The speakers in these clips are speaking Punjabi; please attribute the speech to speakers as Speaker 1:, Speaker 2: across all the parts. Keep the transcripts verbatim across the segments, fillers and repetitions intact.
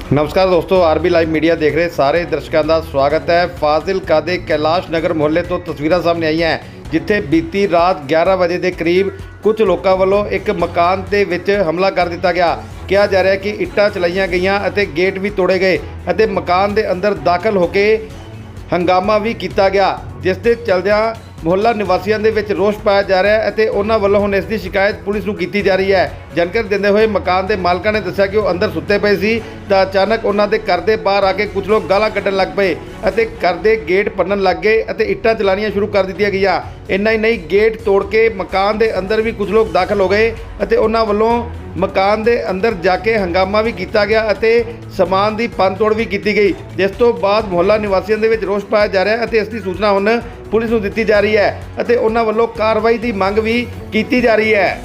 Speaker 1: नमस्कार दोस्तों, आरबी लाइव मीडिया देख रहे सारे दर्शकों का स्वागत है। फाजिलका दे कैलाश नगर मुहल्ले तो तस्वीरां सामने आई हैं जिथे बीती रात ग्यारह बजे के करीब कुछ लोगों वालों एक मकान के विच हमला कर दिता गया। कहा जा रहा है कि इट्टां चलाईयां गईयां अते गेट भी तोड़े गए अते मकान के अंदर दाखिल होके हंगामा भी किया गया, जिस दे चलदियां मुहल्ला निवासियों के विच रोष पाया जा रहा है और उन्होंने वालों हुण इसकी शिकायत पुलिस को की जा रही है। जानकारी देते हुए मकान के मालकां ने दस्सिया कि वो अंदर सुते पे सी तां अचानक उन्होंने घर के बाहर आके कुछ लोग गालां कड्ढण लग पे अते घर के गेट भन्नण लग गए अते इट्टां चलाणियां शुरू कर दित्तियां गईयां। इन्ना ही नहीं, गेट तोड़ के मकान के अंदर भी कुछ लोग दाखिल हो गए अते उन्हां वालों मकान के अंदर जाके हंगामा भी किया गया अते समान की भन्न तोड़ भी की गई, जिस तो बाद मुहल्ला निवासियों के विच रोष पाया जा रहा है अते इसकी सूचना हुण पुलिस को दी जा रही है अते उन्हां वालों कार्रवाई की मंग भी की जा रही है।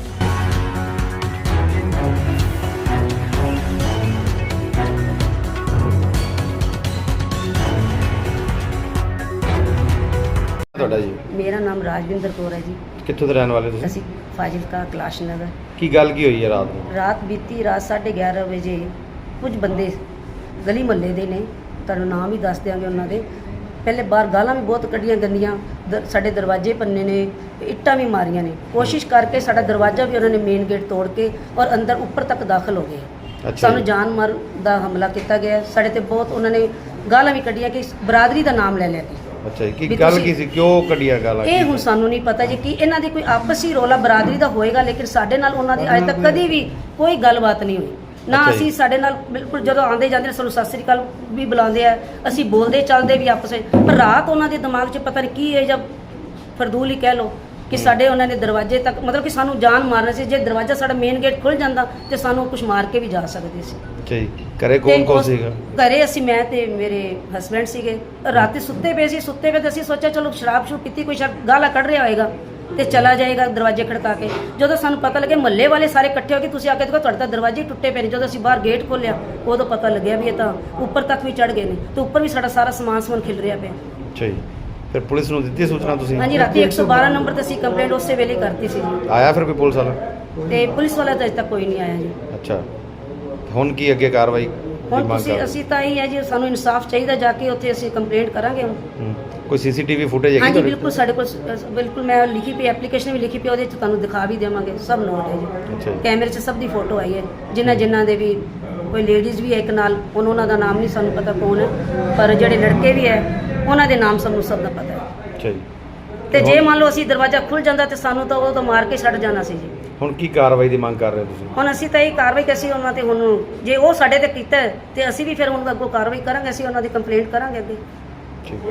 Speaker 1: जी
Speaker 2: मेरा नाम राजविंदर कौर है जी।
Speaker 1: कित्थों दे रहण वाले तुसीं?
Speaker 2: ਅਸੀਂ ਫਾਜ਼ਿਲਕਾ ਕੈਲਾਸ਼ ਨਗਰ।
Speaker 1: की गल की हुई है रात में?
Speaker 2: ਰਾਤ ਬੀਤੀ ਰਾਤ ਸਾਢੇ ਗਿਆਰਾਂ ਵਜੇ ਕੁਝ ਬੰਦੇ ਗਲੀ ਮਹੱਲੇ ਦੇ ਨੇ, ਤੁਹਾਨੂੰ ਨਾਮ ਹੀ ਦੱਸ ਦਿਆਂਗੇ ਉਹਨਾਂ ਦੇ। ਪਹਿਲੇ ਬਾਹਰ ਗਾਲਾਂ ਵੀ ਬਹੁਤ ਕੱਢੀਆਂ ਗੰਦੀਆਂ, ਦ- ਸਾਡੇ ਦਰਵਾਜ਼ੇ ਪੰਨੇ ਨੇ, ਇੱਟਾਂ ਵੀ ਮਾਰੀਆਂ ਨੇ। ਕੋਸ਼ਿਸ਼ ਕਰਕੇ ਸਾਡਾ ਦਰਵਾਜ਼ਾ ਵੀ ਉਹਨਾਂ ਨੇ ਮੇਨ ਗੇਟ ਤੋੜ ਕੇ ਔਰ ਅੰਦਰ ਉੱਪਰ ਤੱਕ ਦਾਖਲ ਹੋ ਗਏ।
Speaker 1: ਅੱਛਾ
Speaker 2: ਸਾਨੂੰ
Speaker 1: ਜੀ।
Speaker 2: ਜਾਨ ਮਾਰ ਦਾ ਹਮਲਾ ਕੀਤਾ ਗਿਆ। ਸਾਡੇ ਤੇ ਬਹੁਤ ਉਹਨਾਂ ਨੇ ਗਾਲਾਂ ਵੀ ਕੱਢੀਆਂ ਕਿ ਬਰਾਦਰੀ ਦਾ ਨਾਮ ਲੈ ਲਿਆ ਕਿ
Speaker 1: ਅੱਛਾ ਜੀ,
Speaker 2: ਵੀ
Speaker 1: ਕੀ ਗੱਲ
Speaker 2: ਤੁਸੀਂ-
Speaker 1: ਕੀ ਸੀ, ਕਿਉਂ ਕੱਢੀਆਂ ਗਾਲਾਂ?
Speaker 2: ਇਹ ਹੁਣ ਸਾਨੂੰ ਨਹੀਂ ਪਤਾ ਜੀ ਕਿ ਇਹਨਾਂ ਦੀ ਕੋਈ ਆਪਸੀ ਰੌਲਾ ਬਰਾਦਰੀ ਦਾ ਹੋਏਗਾ, ਲੇਕਿਨ ਸਾਡੇ ਨਾਲ ਉਹਨਾਂ ਦੀ ਅੱਜ ਤੱਕ ਕਦੀ ਵੀ ਕੋਈ ਗੱਲਬਾਤ ਨਹੀਂ ਹੋਈ ਨਾ।
Speaker 1: ਅੱਛਾ ਜੀ।
Speaker 2: ਅਸੀਂ ਸਾਡੇ ਨਾਲ ਬਿਲਕੁਲ ਜਦੋਂ ਆਉਂਦੇ ਜਾਂਦੇ ਨੇ ਸਾਨੂੰ ਸਤਿ ਸ੍ਰੀ ਅਕਾਲ ਵੀ ਬੁਲਾਉਂਦੇ ਆ, ਅਸੀਂ ਬੋਲਦੇ ਚੱਲਦੇ ਵੀ ਆਪਸ ਵਿੱਚ। ਪਰ ਰਾਤ ਉਹਨਾਂ ਦੇ ਦਿਮਾਗ 'ਚ ਪਤਾ ਨਹੀਂ ਕੀ ਹੈ, ਜਾਂ ਫਰਦੂਲ ਹੀ ਕਹਿ ਲਓ ਕਿ ਸਾਡੇ ਉਹਨਾਂ ਨੇ ਦਰਵਾਜ਼ੇ ਤੱਕ ਮਤਲਬ ਕਿ ਸਾਨੂੰ ਜਾਨ ਮਾਰਨਾ ਸੀ। ਜੇ ਦਰਵਾਜ਼ਾ ਸਾਡਾ ਮੇਨ ਗੇਟ ਖੁੱਲ ਜਾਂਦਾ ਤੇ ਸਾਨੂੰ ਕੁਝ ਮਾਰ ਕੇ ਵੀ ਜਾ ਸਕਦੇ ਸੀ।
Speaker 1: ਅੱਛਾ ਜੀ, ਘਰੇ ਕੌਣ
Speaker 2: ਤੇ
Speaker 1: ਕੌਣ
Speaker 2: ਉਸ-
Speaker 1: ਸੀਗਾ?
Speaker 2: ਘਰੇ ਅਸੀਂ ਮੈਂ ਤੇ ਮੇਰੇ ਹਸਬੈਂਡ ਸੀਗੇ। ਰਾਤੀ ਸੁੱਤੇ ਪਏ ਸੀ, ਸੁੱਤੇ ਪਏ ਤੇ ਅਸੀਂ ਸੋਚਿਆ ਚਲੋ ਸ਼ਰਾਬ ਸ਼ੁਰੂ ਪੀਤੀ, ਕੋਈ ਸ਼ਾਇਦ ਗਾਲਾਂ ਕੱਢ ਰਿਹਾ ਹੋਏਗਾ ਤੇ ਚਲਾ ਜਾਏਗਾ ਦਰਵਾਜ਼ੇ ਖੜਕਾ ਕੇ। ਜਦੋਂ ਸਾਨੂੰ ਪਤਾ ਲੱਗਿਆ ਮਹੱਲੇ ਵਾਲੇ ਸਾਰੇ ਇਕੱਠੇ ਹੋ ਕੇ ਤੁਸੀਂ ਆ ਕੇ ਦੇਖੋ ਤੁਹਾਡੇ ਤਾਂ ਦਰਵਾਜ਼ੇ ਟੁੱਟੇ ਪਏ ਨੇ। ਜਦੋਂ ਅਸੀਂ ਬਾਹਰ ਗੇਟ ਖੋਲ੍ਹਿਆ ਉਦੋਂ ਪਤਾ ਲੱਗਿਆ ਵੀ ਇਹ ਤਾਂ ਉੱਪਰ ਤੱਕ ਵੀ ਚੜ੍ਹ ਗਏ ਨੇ ਤੇ ਉੱਪਰ ਵੀ ਸਾਡਾ ਸਾਰਾ ਸਮਾਨ ਸਮੂਨ ਖਿਲ ਰਿਹਾ ਪਿਆ।
Speaker 1: ਅੱਛਾ ਜੀ, ਫਿਰ ਪੁਲਿਸ ਨੂੰ ਦਿੱਤੀ ਸੂਚਨਾ ਤੁਸੀਂ?
Speaker 2: ਹਾਂਜੀ, ਰਾਤੀ ਇੱਕ ਸੌ ਬਾਰਾਂ ਨੰਬਰ ਤੇ ਅਸੀਂ ਕੰਪਲੇਂਟ ਉਸੇ ਵੇਲੇ ਕਰਤੀ ਸੀ ਜੀ।
Speaker 1: ਆਇਆ ਫਿਰ ਕੋਈ ਪੁਲਿਸ ਵਾਲਾ?
Speaker 2: ਤੇ ਪੁਲਿਸ ਵਾਲਾ ਤਾਂ ਅਜੇ ਤੱਕ ਕੋਈ ਨਹੀਂ ਆਇਆ ਜੀ।
Speaker 1: ਅੱਛਾ, ਹੁਣ ਕੀ ਅੱਗੇ ਕਾਰਵਾਈ ਦੀ
Speaker 2: ਹੁਣ
Speaker 1: ਮੰਗ
Speaker 2: ਤੁਸੀਂ
Speaker 1: ਕਰ?
Speaker 2: ਅਸੀਂ ਤਾਂ ਇਹ ਹੈ ਜੀ, ਸਾਨੂੰ ਇਨਸਾਫ ਚਾਹੀਦਾ, ਜਾ ਕੇ ਉੱਥੇ ਅਸੀਂ ਕੰਪਲੇਂਟ ਕਰਾਂਗੇ ਹੁਣ।
Speaker 1: ਹੂੰ। ਕੋਈ ਸੀਸੀਟੀਵੀ ਫੁਟੇਜ ਹੈਗੀ
Speaker 2: ਹਾਂਜੀ
Speaker 1: ਤੁਹਾਡੇ?
Speaker 2: ਬਿਲਕੁਲ, ਸਾਡੇ ਕੋਲ ਸ- ਬਿਲਕੁਲ ਮੈਂ ਲਿਖੀ ਪਈ ਐਪਲੀਕੇਸ਼ਨ ਵੀ ਲਿਖੀ ਪਈ, ਉਹਦੇ 'ਚ ਤੁਹਾਨੂੰ ਦਿਖਾ ਵੀ ਦੇਵਾਂਗੇ, ਸਭ ਨੋਟ ਹੈ ਜੀ।
Speaker 1: ਅੱਛਾ ਜੀ।
Speaker 2: ਕੈਮਰੇ 'ਚ ਸਭ ਦੀ ਫੋਟੋ ਆਈ ਹੈ, ਜਿਨ੍ਹਾਂ ਜਿਨ੍ਹਾਂ ਦੇ ਵੀ ਕੋਈ ਲੇਡੀਜ਼ ਵੀ ਹੈ ਇੱਕ ਨਾਲ, ਹੁਣ ਉਹਨਾਂ ਦਾ ਨਾਮ ਨਹੀਂ ਸਾਨੂੰ ਪਤਾ ਕੌਣ ਹੈ, ਪਰ ਜਿਹੜੇ ਲੜਕੇ ਵੀ ਹੈ ਉਹਨਾਂ ਦੇ ਨਾਮ ਸਾਨੂੰ ਸਭ ਦਾ ਪਤਾ ਹੈ।
Speaker 1: ਅੱਛਾ ਜੀ,
Speaker 2: ਤੇ ਜੇ ਮੰਨ ਲਓ ਅਸੀਂ ਦਰਵਾਜ਼ਾ ਖੁੱਲ ਜਾਂਦਾ ਤੇ ਸਾਨੂੰ ਤਾਂ ਉਹ ਤਾਂ ਮਾਰ ਕੇ ਛੱਡ ਜਾਣਾ ਸੀ ਜੀ।
Speaker 1: ਹੁਣ ਕੀ ਕਾਰਵਾਈ ਦੀ ਮੰਗ ਕਰ ਰਹੇ ਹੋ ਤੁਸੀਂ?
Speaker 2: ਹੁਣ ਅਸੀਂ ਤਾਂ ਇਹ ਕਾਰਵਾਈ ਕਿ ਅਸੀਂ ਉਹਨਾਂ ਤੇ ਹੁਣ ਜੇ ਉਹ ਸਾਡੇ ਤੇ ਕੀਤਾ ਹੈ, ਤੇ ਅਸੀਂ ਵੀ ਫਿਰ ਹੁਣ ਅੱਗੋਂ ਕਾਰਵਾਈ ਕਰਾਂਗੇ, ਅਸੀਂ ਉਹਨਾਂ ਦੀ ਕੰਪਲੇਂਟ ਕਰਾਂਗੇ ਅੱਗੇ।
Speaker 1: ਠੀਕ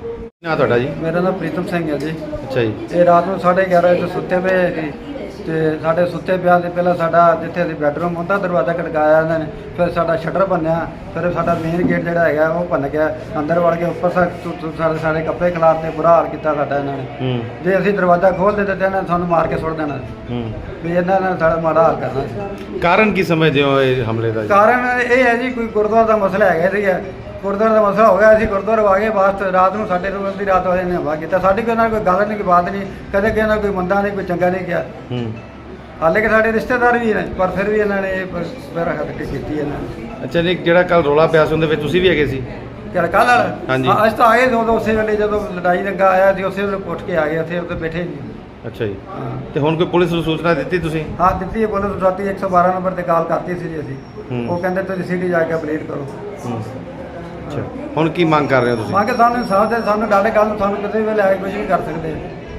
Speaker 1: ਨਾ ਤੁਹਾਡਾ ਜੀ?
Speaker 3: ਮੇਰਾ ਨਾਮ ਪ੍ਰੀਤਮ ਸਿੰਘ ਹੈ ਜੀ।
Speaker 1: ਅੱਛਾ ਜੀ।
Speaker 3: ਇਹ ਰਾਤ ਨੂੰ ਸਾਢੇ ਗਿਆਰਾਂ ਵਜੇ ਸੁੱਤੇ ਪਏ ਸੀ ਤੇ ਸਾਡੇ ਸੁੱਤੇ ਪਿਆ ਦੇ ਪਹਿਲਾਂ ਸਾਡਾ ਜਿੱਥੇ ਅਸੀਂ ਬੈੱਡਰੂਮ ਹੁੰਦਾ ਦਰਵਾਜ਼ਾ ਖੜਕਾਇਆ ਇਹਨਾਂ ਨੇ, ਫਿਰ ਸਾਡਾ ਸ਼ਟਰ ਭੰਨਿਆ, ਫਿਰ ਸਾਡਾ ਮੇਨ ਗੇਟ ਜਿਹੜਾ ਹੈਗਾ ਉਹ ਭੰਨ ਗਿਆ, ਅੰਦਰ ਵੜ ਕੇ ਉੱਪਰ ਸਾਡੇ ਸਾਰੇ ਕੱਪੜੇ ਖਿਲਾਰਤੇ, ਬੁਰਾ ਹਾਲ ਕੀਤਾ ਸਾਡਾ ਇਹਨਾਂ ਨੇ।
Speaker 1: ਹੂੰ
Speaker 3: ਜੇ ਅਸੀਂ ਦਰਵਾਜ਼ਾ ਖੋਲ੍ਹ ਦਿੰਦੇ ਤੇ ਇਹਨਾਂ ਨੇ ਸਾਨੂੰ ਮਾਰ ਕੇ ਸੁੱਟ ਦੇਣਾ ਸੀ,
Speaker 1: ਹੂੰ।
Speaker 3: ਵੀ ਇਹਨਾਂ ਨੇ ਸਾਡਾ ਮਾੜਾ ਹਾਲ ਕਰਨਾ ਸੀ।
Speaker 1: ਕਾਰਨ ਕੀ ਸਮਝਦੇ ਹੋ ਇਹ ਹਮਲੇ ਦਾ ਜੀ?
Speaker 3: ਕਾਰਨ ਇਹ ਹੈ ਜੀ, ਕੋਈ ਗੁਰਦੁਆਰਾ ਦਾ ਮਸਲਾ ਹੈਗਾ ਸੀਗਾ, ਗੁਰਦੁਆਰੇ ਦਾ ਮਸਲਾ ਹੋ ਗਿਆ। ਅਸੀਂ ਗੁਰਦੁਆਰੇ ਆ ਗਏ ਬਾਅਦ ਰਾਤ ਨੂੰ, ਸਾਡੇ ਨੂੰ ਅੱਧੀ ਰਾਤ ਵਾਲੇ ਨੇ ਹਮਲਾ ਕੀਤਾ। ਸਾਡੀ ਕੋਈ ਨਾਲ ਕੋਈ ਗੱਲ ਨਹੀਂ, ਕੋਈ ਬਾਤ ਨਹੀਂ, ਕਦੇ ਕਿਸੇ ਨਾਲ ਕੋਈ ਮੰਦਾ ਨਹੀਂ, ਕੋਈ ਚੰਗਾ ਨਹੀਂ ਕਿਹਾ।
Speaker 1: ਹੂੰ।
Speaker 3: ਹਾਲੇ ਕਿ ਸਾਡੇ ਰਿਸ਼ਤੇਦਾਰ ਵੀ ਨੇ, ਪਰ ਫਿਰ ਵੀ ਇਹਨਾਂ ਨੇ ਇਹ ਮੇਰਾ ਹੱਥ ਕੇ ਕੀਤੀ ਇਹਨਾਂ ਨੇ।
Speaker 1: ਅੱਛਾ ਜੀ, ਜਿਹੜਾ ਕੱਲ ਰੋਲਾ ਪਿਆ ਸੀ ਉਹਦੇ ਵਿੱਚ ਤੁਸੀਂ ਵੀ ਹੈਗੇ ਸੀ?
Speaker 3: ਕਿਹੜਾ ਕੱਲ੍ਹ ਵਾਲਾ?
Speaker 1: ਹਾਂਜੀ।
Speaker 3: ਹਾਂ, ਅਸੀਂ ਤਾਂ ਆਏ ਦੋ ਦੋ ਉਸੇ ਵੇਲੇ, ਜਦੋਂ ਲੜਾਈ ਲੱਗਾ ਆਇਆ ਸੀ ਉਸੇ ਵੇਲੇ ਉੱਠ ਕੇ ਆ ਗਏ, ਉੱਥੇ ਉੱਥੇ ਬੈਠੇ ਨਹੀਂ।
Speaker 1: ਅੱਛਾ ਜੀ,
Speaker 3: ਹਾਂ
Speaker 1: ਤੇ ਹੁਣ ਕੋਈ ਪੁਲਿਸ ਨੂੰ ਸੂਚਨਾ ਦਿੱਤੀ ਤੁਸੀਂ?
Speaker 3: ਹਾਂ ਦਿੱਤੀ ਹੈ, ਪੁਲਿਸ ਰਾਤੀ ਇੱਕ ਸੌ ਬਾਰਾਂ ਨੰਬਰ ਤੇ ਕਾਲ ਕਰਤੀ ਸੀ ਜੀ ਅਸੀਂ।
Speaker 1: ਹੂੰ।
Speaker 3: ਉਹ ਕਹਿੰਦੇ ਤੁਸੀਂ ਸਿਟੀ ਜਾ ਕੇ ਕੰਪਲੀਟ ਕਰੋ।
Speaker 1: ਹੂੰ। ਅੱਛਾ, ਹੁਣ ਕੀ ਮੰਗ ਕਰ ਰਹੇ ਹੋ ਤੁਸੀਂ?
Speaker 3: ਮੰਗ ਕੇ ਸਾਨੂੰ ਇਨਸਾਫ ਦੇ, ਸਾਨੂੰ ਡਾਡੇ ਕੱਲ੍ਹ ਨੂੰ ਸਾਨੂੰ ਕਿਸੇ ਵੇਲੇ ਆ ਕੇ ਕੁਝ ਵੀ ਕਰ ਸਕਦੇ।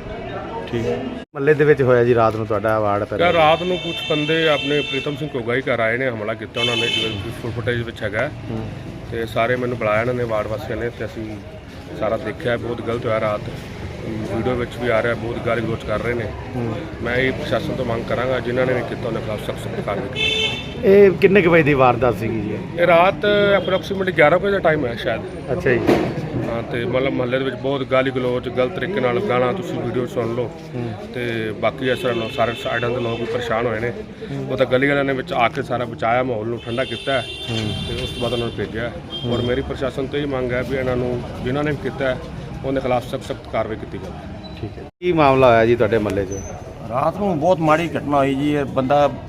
Speaker 1: ਠੀਕ ਹੈ। ਮਹੱਲੇ ਦੇ ਵਿੱਚ ਹੋਇਆ ਜੀ ਰਾਤ ਨੂੰ ਤੁਹਾਡਾ ਵਾਰਡ ਪੈ
Speaker 4: क्या रात ਨੂੰ ਕੁਝ ਬੰਦੇ ਆਪਣੇ ਪ੍ਰੀਤਮ ਸਿੰਘ ਕੋਗਾ ਹੀ ਘਰ ਆਏ ਨੇ, ਹਮਲਾ ਕੀਤਾ ਉਹਨਾਂ ਨੇ, ਜਿਵੇਂ ਫੁੱਲ ਫੁਟੇਜ ਵਿੱਚ ਹੈਗਾ। ਤੇ ਸਾਰੇ ਮੈਨੂੰ ਬੁਲਾਇਆ ਇਹਨਾਂ ਨੇ, ਵਾਰਡ ਵਾਸੀਆਂ ਨੇ, ਤੇ ਅਸੀਂ ਸਾਰਾ ਦੇਖਿਆ। ਬਹੁਤ ਗਲਤ ਹੋਇਆ ਰਾਤ, ਵੀਡੀਓ ਵਿੱਚ ਵੀ ਆ ਰਿਹਾ, ਬਹੁਤ ਗਾਲੀ ਗਲੋਚ ਕਰ ਰਹੇ ਨੇ। ਮੈਂ ਇਹ ਪ੍ਰਸ਼ਾਸਨ ਤੋਂ ਮੰਗ ਕਰਾਂਗਾ ਜਿਨ੍ਹਾਂ ਨੇ ਵੀ ਕੀਤਾ ਉਹਨਾਂ ਖਿਲਾਫ ਸਖਤ ਸਖਤ ਕਾਰਵਾਈ।
Speaker 1: ਇਹ ਕਿੰਨੇ ਕੁ ਵਜੇ ਦੀ ਵਾਰਦਾਤ ਸੀਗੀ ਜੀ?
Speaker 4: ਇਹ ਰਾਤ ਅਪਰੋਕਸੀਮੇਟਲੀ ਗਿਆਰਾਂ ਵਜੇ ਦਾ ਟਾਈਮ ਹੈ ਸ਼ਾਇਦ।
Speaker 1: ਅੱਛਾ ਜੀ।
Speaker 4: ਹਾਂ, ਤੇ ਮਤਲਬ ਮਹੱਲੇ ਦੇ ਵਿੱਚ ਬਹੁਤ ਗਾਲੀ ਗਲੋਚ, ਗਲਤ ਤਰੀਕੇ ਨਾਲ ਗਾਣਾ, ਤੁਸੀਂ ਵੀਡੀਓ ਸੁਣ ਲਓ। ਤੇ ਬਾਕੀ ਇਸ ਤਰ੍ਹਾਂ ਸਾਰੇ ਸਾਈਡਾਂ ਦੇ ਲੋਕ ਵੀ ਪਰੇਸ਼ਾਨ ਹੋਏ ਨੇ। ਉਹ ਤਾਂ ਗਲੀ ਵਾਲਿਆਂ ਨੇ ਵਿੱਚ ਆ ਕੇ ਸਾਰਾ ਬਚਾਇਆ, ਮਾਹੌਲ ਨੂੰ ਠੰਡਾ ਕੀਤਾ ਤੇ ਉਸ ਤੋਂ ਬਾਅਦ ਉਹਨਾਂ ਨੂੰ ਭੇਜਿਆ। ਔਰ ਮੇਰੀ ਪ੍ਰਸ਼ਾਸਨ ਤੋਂ ਇਹ ਮੰਗ ਹੈ ਵੀ ਇਹਨਾਂ ਨੂੰ ਜਿਨ੍ਹਾਂ ਨੇ ਵੀ ਕੀਤਾ ਉਹਦੇ ਖਿਲਾਫ ਸਖਤ ਸਖਤ ਕਾਰਵਾਈ ਕੀਤੀ ਜਾਵੇ।
Speaker 1: ਠੀਕ ਹੈ। ਕੀ ਮਾਮਲਾ ਹੋਇਆ ਜੀ ਤੁਹਾਡੇ ਮਹੱਲੇ 'ਚ?
Speaker 5: ਰਾਤ ਨੂੰ ਬਹੁਤ ਮਾੜੀ ਘਟਨਾ ਹੋਈ ਜੀ। ਇਹ ਬੰਦਾ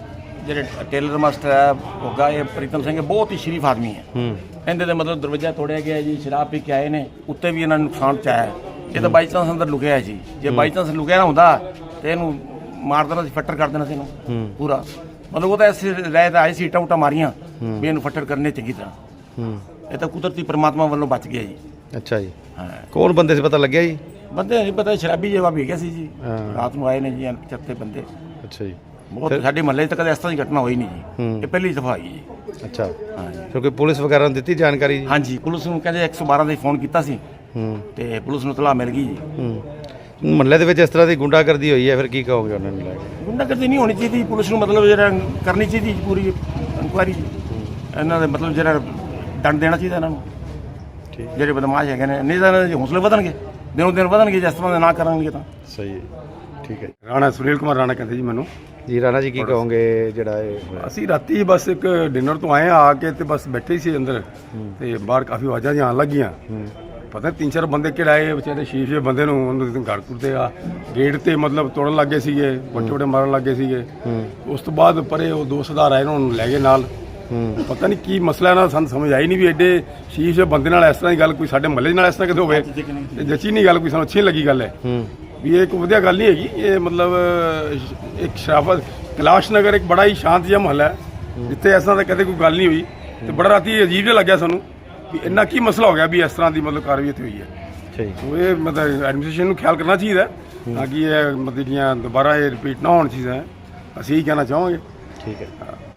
Speaker 5: ਜਿਹੜੇ ਟੇਲਰ ਮਾਸਟਰ ਹੈ ਹੋਗਾ ਇਹ ਪ੍ਰੀਤਮ ਸਿੰਘ ਬਹੁਤ ਹੀ ਸ਼ਰੀਫ ਆਦਮੀ ਹੈ।
Speaker 1: ਹੂੰ
Speaker 5: ਇਹਦੇ ਦੇ ਮਤਲਬ ਦਰਵਾਜ਼ਾ ਤੋੜਿਆ ਗਿਆ ਜੀ, ਸ਼ਰਾਬ ਪੀ ਕੇ ਆਏ ਨੇ, ਉੱਤੇ ਵੀ ਇਹਨਾਂ ਨੂੰ ਨੁਕਸਾਨ ਪਹੁੰਚਾਇਆ। ਇਹ ਤਾਂ ਬਾਈ ਚਾਂਸ ਅੰਦਰ ਲੁਕਿਆ ਜੀ, ਜੇ ਬਾਈ ਚਾਂਸ ਲੁਕਿਆ ਨਾ ਹੁੰਦਾ ਤੇ ਇਹਨੂੰ ਮਾਰ ਦੇਣਾ ਸੀ, ਫੱਟਰ ਕਰ ਦੇਣਾ ਸੀ ਇਹਨੂੰ ਪੂਰਾ। ਮਤਲਬ ਉਹ ਤਾਂ ਐਸੀ ਰਹਿ ਤਾਂ ਆਈ ਸੀ, ਇੱਟਾਂ ਉੱਟਾਂ ਮਾਰੀਆਂ ਵੀ ਇਹਨੂੰ ਫੱਟਰ ਕਰਨੇ ਚੰਗੀ ਤਰ੍ਹਾਂ।
Speaker 1: ਹੂੰ
Speaker 5: ਇਹ ਤਾਂ ਕੁਦਰਤੀ ਪਰਮਾਤਮਾ ਵੱਲੋਂ ਬਚ ਗਿਆ ਜੀ।
Speaker 1: ਅੱਛਾ ਜੀ,
Speaker 5: ਹਾਂ
Speaker 1: ਕੌਣ ਬੰਦੇ ਸੀ ਪਤਾ ਲੱਗਿਆ ਜੀ?
Speaker 5: ਬੰਦੇ ਨਹੀਂ ਪਤਾ, ਸ਼ਰਾਬੀ ਜਵਾ ਵੀ ਗਿਆ ਸੀ ਜੀ,
Speaker 1: ਹਾਂ।
Speaker 5: ਰਾਤ ਨੂੰ ਆਏ ਨੇ ਜੀ ਚੱਤੇ ਬੰਦੇ।
Speaker 1: ਅੱਛਾ ਜੀ,
Speaker 5: ਬਹੁਤ ਸਾਡੇ ਮਹੱਲੇ 'ਚ ਤਾਂ ਕਦੇ ਇਸ ਤਰ੍ਹਾਂ ਦੀ ਘਟਨਾ ਹੋਈ ਨਹੀਂ ਜੀ,
Speaker 1: ਹੂੰ।
Speaker 5: ਇਹ ਪਹਿਲੀ ਦਫਾ ਹੋਈ ਜੀ।
Speaker 1: ਅੱਛਾ,
Speaker 5: ਹਾਂ ਜੀ।
Speaker 1: ਫਿਰ ਕੋਈ ਪੁਲਿਸ ਵਗੈਰਾ ਨੂੰ ਦਿੱਤੀ ਜਾਣਕਾਰੀ ਜੀ?
Speaker 5: ਹਾਂਜੀ, ਪੁਲਿਸ ਨੂੰ ਕਹਿੰਦੇ ਇੱਕ ਸੌ ਬਾਰਾਂ ਤੇ ਫੋਨ ਕੀਤਾ ਸੀ
Speaker 1: ਹੂੰ
Speaker 5: ਤੇ ਪੁਲਿਸ ਨੂੰ ਤਲਾਹ ਮਿਲ ਗਈ ਜੀ।
Speaker 1: ਹੂੰ ਮਹੱਲੇ ਦੇ ਵਿੱਚ ਇਸ ਤਰ੍ਹਾਂ ਦੀ ਗੁੰਡਾਗਰਦੀ ਹੋਈ ਹੈ, ਫਿਰ ਕੀ ਕਹੋਗੇ ਉਹਨਾਂ ਨੂੰ ਲੈ ਕੇ?
Speaker 5: ਗੁੰਡਾਗਰਦੀ ਨਹੀਂ ਹੋਣੀ ਚਾਹੀਦੀ, ਪੁਲਿਸ ਨੂੰ ਮਤਲਬ ਜਿਹੜਾ ਕਰਨੀ ਚਾਹੀਦੀ ਜੀ ਪੂਰੀ ਇਨਕੁਆਇਰੀ। ਇਹਨਾਂ ਦੇ ਮਤਲਬ ਜਿਹੜਾ ਦੰਡ ਦੇਣਾ ਚਾਹੀਦਾ ਇਹਨਾਂ ਨੂੰ, ਜਿਹੜੇ ਬਦਮਾਸ਼ ਹੈਗੇ ਨੇ। ਨਹੀਂ ਤਾਂ ਇਹਨਾਂ ਦੇ ਹੌਸਲੇ ਵਧਣਗੇ, ਦਿਨੋਂ ਦਿਨ ਵਧਣਗੇ, ਜਿਸ ਤਰ੍ਹਾਂ ਦੇ ਨਾ ਕਰਨਗੇ ਤਾਂ।
Speaker 1: ਸਹੀ ਹੈ, ਠੀਕ ਹੈ
Speaker 6: ਰਾਣਾ ਸੁਨੀਲ ਕੁਮਾਰ ਰਾਣਾ ਕਹਿੰਦੇ ਜੀ ਮੈਨੂੰ।
Speaker 1: ਜੀ। ਰਾਣਾ ਜੀ ਕੀ ਕਹੋਗੇ ਜਿਹੜਾ ਇਹ ਹੋਇਆ?
Speaker 6: ਅਸੀਂ ਰਾਤੀ ਬਸ ਇੱਕ ਡਿਨਰ ਤੋਂ ਆਏ ਆ ਆ ਕੇ ਤੇ ਬਸ ਬੈਠੇ ਸੀ ਅੰਦਰ ਤੇ ਬਾਹਰ ਕਾਫੀ ਆਵਾਜ਼ਾਂ ਜਿਹੀਆਂ ਆਉਣ ਲੱਗੀਆਂ। ਪਤਾ ਨਹੀਂ ਤਿੰਨ ਚਾਰ ਬੰਦੇ ਕਿਹੜੇ ਆਏ ਵਿਚਾਰੇ ਸ਼ੀਸ਼ੇ ਬੰਦੇ ਨੂੰ ਉਹਨੂੰ ਘਰ ਕੁੱਟਦੇ ਆ, ਗੇਟ ਤੇ ਮਤਲਬ ਤੋੜਨ ਲੱਗੇ ਸੀਗੇ, ਵੱਟੇ ਵੱਟੇ ਮਾਰਨ ਲੱਗੇ ਸੀਗੇ। ਉਸ ਤੋਂ ਬਾਅਦ ਪਰੇ ਉਹ ਦੋ ਸਰਦਾਰ ਆਏ ਉਹਨਾਂ ਨੂੰ ਲੈ ਗਏ ਨਾਲ। ਪਤਾ ਨਹੀਂ ਕੀ ਮਸਲਾ ਇਹਨਾਂ ਦਾ ਸਾਨੂੰ ਸਮਝ ਆਈ ਨਹੀਂ ਵੀ ਐਡੇ ਸ਼ੀਸ਼ੇ ਬੰਦੇ ਨਾਲ ਇਸ ਤਰ੍ਹਾਂ ਦੀ ਗੱਲ ਕੋਈ ਸਾਡੇ ਮਹੱਲੇ ਨਾਲ ਇਸ ਤਰ੍ਹਾਂ ਕਿਤੇ ਹੋਵੇ। ਇਹ ਜੱਚੀ ਨਹੀਂ ਗੱਲ, ਕੋਈ ਸਾਨੂੰ ਅੱਛੀ ਨਹੀਂ ਲੱਗੀ ਗੱਲ ਹੈ ਵੀ ਇਹ ਇੱਕ ਵਧੀਆ ਗੱਲ ਨਹੀਂ ਹੈਗੀ। ਇਹ ਮਤਲਬ ਇੱਕ ਸ਼ਰਾਫਤ ਕੈਲਾਸ਼ ਨਗਰ ਇੱਕ ਬੜਾ ਹੀ ਸ਼ਾਂਤ ਜਿਹਾ ਮਹੱਲਾ ਹੈ ਜਿੱਥੇ ਇਸ ਤਰ੍ਹਾਂ ਦਾ ਕਦੇ ਕੋਈ ਗੱਲ ਨਹੀਂ ਹੋਈ ਤੇ ਬੜਾ ਰਾਤੀ ਅਜੀਬ ਜਿਹਾ ਲੱਗਿਆ ਸਾਨੂੰ ਵੀ ਇੰਨਾ ਕੀ ਮਸਲਾ ਹੋ ਗਿਆ ਵੀ ਇਸ ਤਰ੍ਹਾਂ ਦੀ ਮਤਲਬ ਕਾਰਵਾਈ ਇੱਥੇ ਹੋਈ ਹੈ।
Speaker 1: ਅੱਛਾ ਜੀ,
Speaker 6: ਸੋ ਇਹ ਮਤਲਬ ਐਡਮਿਨਿਸਟ੍ਰੇਸ਼ਨ ਨੂੰ ਖਿਆਲ ਕਰਨਾ ਚਾਹੀਦਾ ਤਾਂ ਕਿ ਇਹ ਮਤਲਬ ਜਿਹੜੀਆਂ ਦੁਬਾਰਾ ਇਹ ਰਿਪੀਟ ਨਾ ਹੋਣ ਚੀਜ਼ਾਂ ਅਸੀਂ ਹੀ ਕਹਿਣਾ ਚਾਹਾਂਗੇ।
Speaker 1: ਠੀਕ ਹੈ।